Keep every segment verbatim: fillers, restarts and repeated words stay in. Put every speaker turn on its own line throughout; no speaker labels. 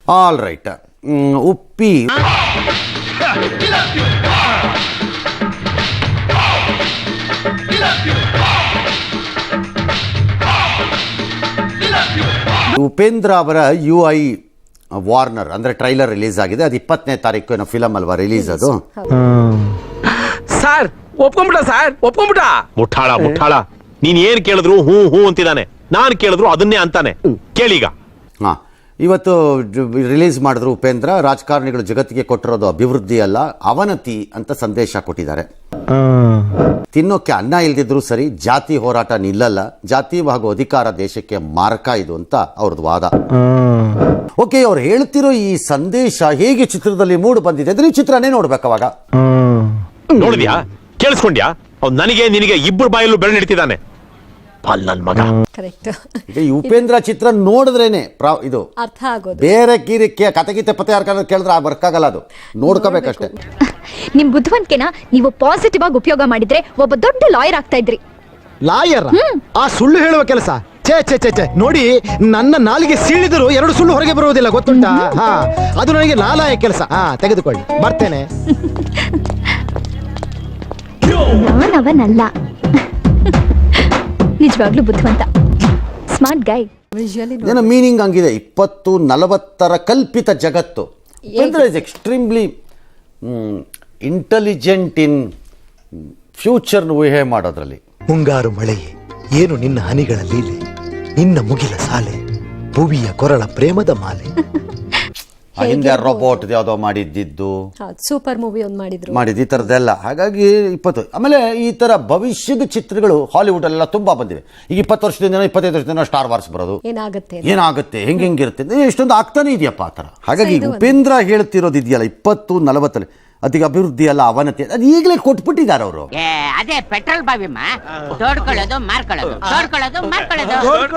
All right. Uppi Upendra ಅವರ U I Warner ಅಂದ್ರೆ trailer release ಆಗಿದೆ. ಅದು ಇಪ್ಪತ್ತನೇ ತಾರೀಕು ಏನೋ ಫಿಲಮ್ ಅಲ್ವಾ ರಿಲೀಸ್ ಅದು.
Sir ಒಪ್ಕೊಂಬಿಟ sir ಒಪ್ಕೊಂಬಿಟ. ಮುಠಾಳ ಮುಠಾಳ ನೀನ್ ಏನ್ ಕೇಳಿದ್ರು ಹೂ ಹೂ ಅಂತಿದ್ದಾನೆ, ನಾನ್ ಕೇಳಿದ್ರು ಅದನ್ನೇ ಅಂತಾನೆ. ಕೇಳೀಗ.
ಹಾ, ಇವತ್ತು ರಿಲೀಸ್ ಮಾಡಿದ್ರು ಉಪೇಂದ್ರ. ರಾಜಕಾರಣಿಗಳು ಜಗತ್ತಿಗೆ ಕೊಟ್ಟಿರೋದು ಅಭಿವೃದ್ಧಿ ಅಲ್ಲ ಅವನತಿ ಅಂತ ಸಂದೇಶ ಕೊಟ್ಟಿದ್ದಾರೆ. ತಿನ್ನೋಕೆ ಅನ್ನ ಇಲ್ದಿದ್ರು ಸರಿ, ಜಾತಿ ಹೋರಾಟ ನಿಲ್ಲಲ್ಲ, ಜಾತಿ ಹಾಗೂ ಅಧಿಕಾರ ದೇಶಕ್ಕೆ ಮಾರಕ ಇದು ಅಂತ ಅವ್ರದ್ದು ವಾದ. ಓಕೆ, ಅವ್ರು ಹೇಳ್ತಿರೋ ಈ ಸಂದೇಶ ಹೇಗೆ ಚಿತ್ರದಲ್ಲಿ ಮೂಡ್ ಬಂದಿದೆ ಅಂದ್ರೆ ಈ ಚಿತ್ರನೇ ನೋಡ್ಬೇಕು. ಅವಾಗ
ನೋಡಿದ್ಯಾ, ಕೇಳಿಸ್ಕೊಂಡ್ಯಾ? ಅವ್ನು ನನಗೆ ನಿನಗೆ ಇಬ್ಬರು ಬಾಯಲ್ಲೂ ಬೆಳೆ ನಿಡ್ತಿದ್ದಾನೆ. ನನ್ ಮಗ
ಈ ಉಪೇಂದ್ರ ಚಿತ್ರ ನೋಡಿದ್ರೇನೆ ಇದು
ಅರ್ಥ ಆಗೋದು.
ಬೇರೆ ಕಿರಿಕೆ ಕತೆಗೀತೆ ಪತೆ ಯಾರು ಕೇಳಿದ್ರೆ ವರ್ಕ್ ಆಗಲ್ಲ, ಅದು ನೋಡ್ಕೋಬೇಕಷ್ಟೇ.
ನಿಮ್ ಬುದ್ಧಿವಂತಿಕೆನ ನೀವು ಪಾಸಿಟಿವ್ ಆಗಿ ಉಪಯೋಗ ಮಾಡಿದ್ರೆ ಒಬ್ಬ ದೊಡ್ಡ ಲಾಯರ್ ಆಗ್ತಾ ಇದ್ರಿ.
ಲಾಯರ್? ಆ ಸುಳ್ಳು ಹೇಳುವ ಕೆಲಸ ಚೇ ಚೇ ಚೇ ಚೇ ನೋಡಿ, ನನ್ನ ನಾಲಿಗೆ ಸೀಳಿದ್ರು ಎರಡು ಸುಳ್ಳು ಹೊರಗೆ ಬರುವುದಿಲ್ಲ, ಗೊತ್ತುಂಟಾ? ಹಾ, ಅದು ನನಗೆ ನಾಲಾಯ ಕೆಲಸ. ಹಾ, ತೆಗೆದುಕೊಳ್ಳಿ, ಬರ್ತೇನೆ.
ನಾನವನಲ್ಲ, ನಿಜವಾಗ್ಲೂ ಬುದ್ಧಿವಂತ, ಸ್ಮಾರ್ಟ್ ಗೈ.
ಏನೋ ಮೀನಿಂಗ್ ಹಂಗಿದೆ. ಇಪ್ಪತ್ತು ನಲವತ್ತರ ಕಲ್ಪಿತ ಜಗತ್ತು. Upendra is extremely intelligent in future ಊಹೆ ಮಾಡೋದ್ರಲ್ಲಿ.
ಮುಂಗಾರು ಮಳೆಯೇ ಏನು ನಿನ್ನ ಹನಿಗಳ ಲೀಲೆ, ನಿನ್ನ ಮುಗಿಲ ಸಾಲೆ, ಭುವಿಯ ಕೊರಳ ಪ್ರೇಮದ ಮಾಲೆ.
ಹಿಂದೆ ರೋಬೋಟ್ ಯಾವುದೋ ಮಾಡಿದ್ದು
ಸೂಪರ್ ಮೂವಿ ಒಂದು ಮಾಡಿದ್ರು
ಮಾಡಿದ್ದು ಈ ಥರದ್ದೆಲ್ಲ. ಹಾಗಾಗಿ ಇಪ್ಪತ್ತು ಆಮೇಲೆ ಈ ಥರ ಭವಿಷ್ಯದ ಚಿತ್ರಗಳು ಹಾಲಿವುಡ್ ಅಲ್ಲೆಲ್ಲ ತುಂಬಾ ಬಂದಿವೆ. ಈಗ ಇಪ್ಪತ್ತು ವರ್ಷದಿಂದ ಇಪ್ಪತ್ತೈದು ವರ್ಷದಿಂದ ಸ್ಟಾರ್ ವಾರ್ಸ್ ಬರೋದು,
ಏನಾಗುತ್ತೆ
ಏನಾಗುತ್ತೆ ಹೆಂಗೆ ಹೆಂಗಿರುತ್ತೆ ಎಷ್ಟೊಂದು ಆಗ್ತಾನೆ ಇದೆಯಪ್ಪ ಆ ಥರ. ಹಾಗಾಗಿ ಉಪೇಂದ್ರ ಹೇಳ್ತಿರೋದು ಇದೆಯಲ್ಲ, ಇಪ್ಪತ್ತು ನಲವತ್ತಲ್ಲಿ ಅದಕ್ಕೆ ಅಭಿವೃದ್ಧಿ ಅಲ್ಲ ಅವನತಿ, ಅದು ಈಗಲೇ ಕೊಟ್ಬಿಟ್ಟಿದ್ದಾರೆ ಅವರು.
ಅದೇ ಪೆಟ್ರೋಲ್ ಬಾವಿಮ್ಮ, ತೋಡ್ಕೊಳ್ಳೋದು ಮಾರ್ಕೊಳ್ಳೋದು, ತೋಡ್ಕೊಳ್ಳೋದು ಮಾರ್ಕೊಳ್ಳೋದು.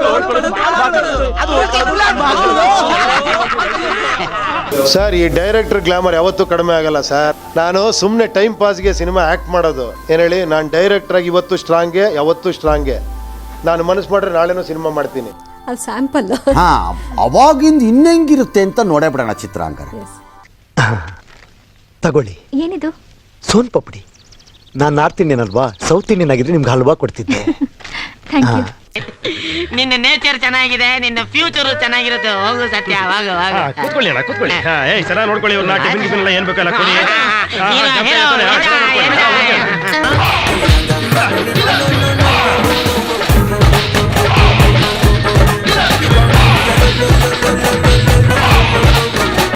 ಸರ್, ಈ ಡೈರೆಕ್ಟರ್ ಗ್ಲಾಮರ್ ಯಾವತ್ತೂ ಕಡಿಮೆ ಆಗಲ್ಲ ಸರ್. ನಾನು ಸುಮ್ಮನೆ ಟೈಮ್ ಪಾಸ್ಗೆ ಸಿನಿಮಾ ಆಕ್ಟ್ ಮಾಡೋದು. ಏನ್ ಹೇಳಿ, ನಾನು ಡೈರೆಕ್ಟರ್ ಆಗಿ ಇವತ್ತು ಸ್ಟ್ರಾಂಗೆ, ಯಾವತ್ತೂ ಸ್ಟ್ರಾಂಗೆ. ನಾನು ಮನಸ್ಸು ಮಾಡ್ರೆ ನಾಳೆನೂ ಸಿನಿಮಾ ಮಾಡ್ತೀನಿ.
ಅದು ಸ್ಯಾಂಪಲ್.
ಹಾ, ಅವಾಗಿಂದ ಇನ್ನೆಂಗಿರುತ್ತೆ ಅಂತ ನೋಡೇ ಬಿಡೋಣ ಚಿತ್ರ ಹಂಗಾರೆ.
ತಗೊಳ್ಳಿ.
ಏನಿದು?
ಸೋನ್ ಪಪಡಿ. ನಾನು ನಾರ್ತ್ ಇಂಡಿಯನ್ ಅಲ್ವಾ, ಸೌತ್ ಇಂಡಿಯನ್ ಆಗಿದ್ರೆ ನಿಮ್ಗೆ ಹಲ್ವಾ ಕೊಡ್ತಿದ್ದೆ.
ನಿನ್ನ ನೇಚರ್ ಚೆನ್ನಾಗಿದೆ, ನಿನ್ನ ಫ್ಯೂಚರ್ ಚೆನ್ನಾಗಿರುತ್ತೆ. ಹೋಗು ಸತ್ಯ, ಹೋಗು ಹೋಗು.
ಕೂತ್ಕೊಳ್ಳಿ ಅಣ್ಣ, ಕೂತ್ಕೊಳ್ಳಿ. ಏಯ್ ಚೆನ್ನಾಗಿ ನೋಡ್ಕೊಳ್ಳಿ ಇವ್ರನ್ನ, ಟಿಫಿನ್ ಗಿಫಿನ್ ಎಲ್ಲ ಏನ್ ಬೇಕಲ್ಲ ಕೊಡಿ.
ಹೀರೋ